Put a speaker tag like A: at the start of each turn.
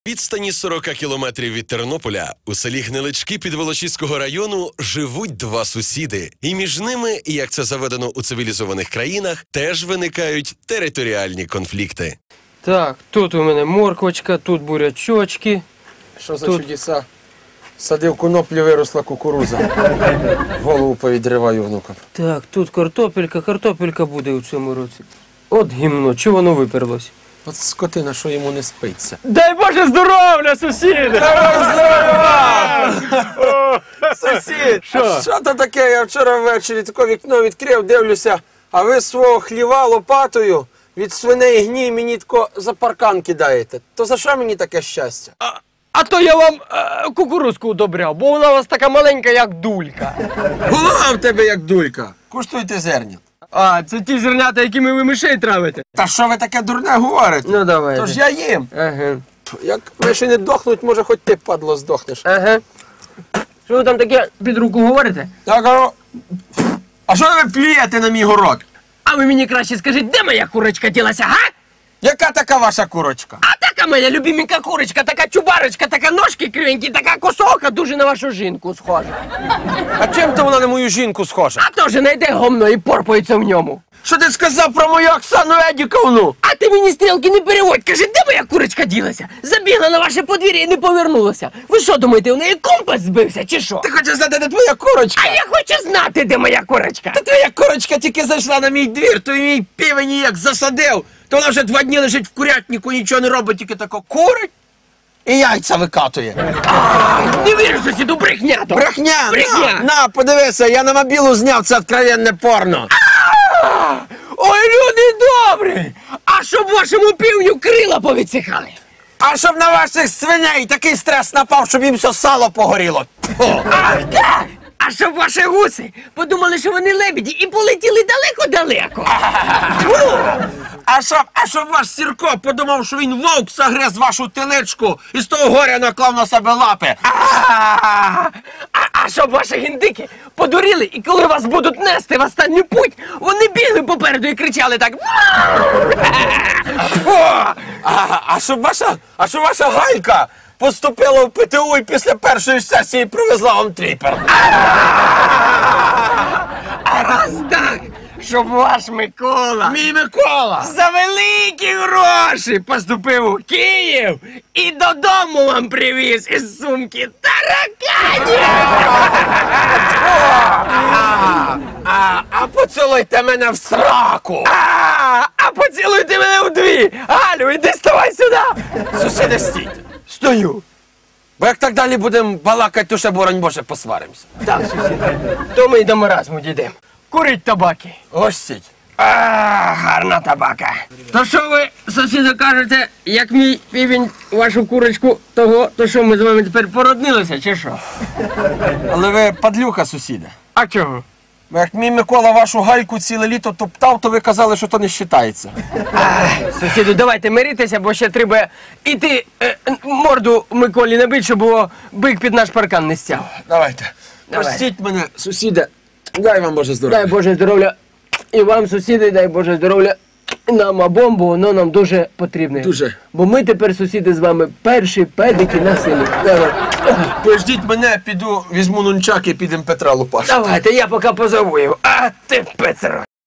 A: Відстані 40 кілометрів від Тернополя у селі Гнилички Підволочиського району живуть два сусіди. І між ними, як це заведено у цивілізованих країнах, теж виникають територіальні конфлікти.
B: Так, тут у мене морквочка, тут бурячочки.
C: Що за чудеса? Садив коноплю, виросла кукуруза. Голову повідриваю внукам.
B: Так, тут картопелька буде у цьому році. От гімно, чого воно виперлось?
C: От скотина, що йому не спиться.
B: Дай Боже здоров'я, сусіди!
C: Сусід, що то таке? Я вчора ввечері таке вікно відкрив, дивлюся, а ви свого хліва лопатою від свиней гній мені тако за паркан кидаєте. То за що мені таке щастя?
B: А то я вам кукурузку удобряв, бо вона у вас така маленька, як дулька.
C: Голова в тебе як дулька. Куштуйте зерня.
B: А, це ті зернята, якими ви мишей травите.
C: Та що ви таке дурне говорите?
B: Ну давай.
C: Тож я їм.
B: Ага.
C: Як миші не дохнуть, може хоч ти, падло, здохнеш.
B: Ага. Що ви там таке під руку говорите?
C: Я кажу, а що ви плюєте на мій город?
B: А ви мені краще скажіть, де моя курочка ділася, га?
C: Яка така ваша курочка?
B: А така моя любименька курочка, така чубарочка, така ножки кривенькі, така косока, дуже на вашу жінку схожа.
C: А чим то вона на мою жінку схожа?
B: А то же найде гомно і порпається в ньому.
C: Що ти сказав про мою Оксану Едіковну?
B: А ти мені стрілки не переводь, кажи, де моя курочка ділася? Забігла на ваше подвір'я і не повернулася. Ви що думаєте, у неї компас збився, чи що?
C: Ти хочеш знати, де твоя курочка?
B: А я хочу знати, де моя курочка.
C: Та твоя курочка тільки зайшла на мій двір, то і мій півень як засадив. То вона вже 2 дні лежить в курятнику, нічого не робить, тільки тако курить і яйця викатує.
B: Не вірю, сусіду, брехня то.
C: Брехня!
B: Брехня!
C: На, подивися, я на мобілу зняв це откровенне порно.
B: Ой, люди добрі! А щоб вашому півню крила повідсихали?
C: А щоб на ваших свиней такий стрес напав, щоб їм все сало погоріло. Тьфу.
B: Ах так! А щоб ваші гуси подумали, що вони лебеді і полетіли далеко-далеко.
C: А щоб ваш Сірко подумав, що він вовк загриз вашу теличку і з того горя наклав на себе лапи.
B: А щоб ваші гіндики подуріли, і коли вас будуть нести в останню путь, вони бігли попереду і кричали так.
C: А щоб ваша Галька поступила в ПТУ і після першої сесії привезла вам тріпер.
B: А раз так, щоб ваш Микола
C: Мій Микола!
B: за великі гроші поступив у Київ і додому вам привіз із сумки тараканів.
C: А поцілуйте мене в сраку!
B: А поцілуйте мене вдві. Галю, іди ставай сюди.
C: Сусіди, стійте!
B: Стою.
C: Бо як так далі будемо балакати, то ще, боронь Боже, посваримося.
B: Так, сусід, то ми й до маразму дійдемо. Курить табаки.
C: Ось стіть.
B: Гарна табака. То що ви, сусіду, кажете, як мій півень вашу курочку того, то що ми з вами тепер породнилися, чи що?
C: Але ви падлюка, сусіда.
B: А чого?
C: Бо як мій Микола вашу Гальку ціле літо топтав, то ви казали, що то не вважається.
B: Сусіду, давайте миритися, бо ще треба іти морду Миколі набити, щоб було бик під наш паркан не стяв.
C: Давайте.
B: Давай.
C: Простіть мене, сусіда. Дай вам Боже здоров'я.
B: Дай Боже здоров'я і вам, сусіди, дай Боже здоров'я. Нам обом, бо воно нам дуже потрібне.
C: Дуже.
B: Бо ми тепер, сусіди, з вами перші педики на селі. Давай.
C: Пождіть мене, піду, візьму нунчак і підемо Петра лупаш.
B: Давайте, я поки позову його. А ти, Петро.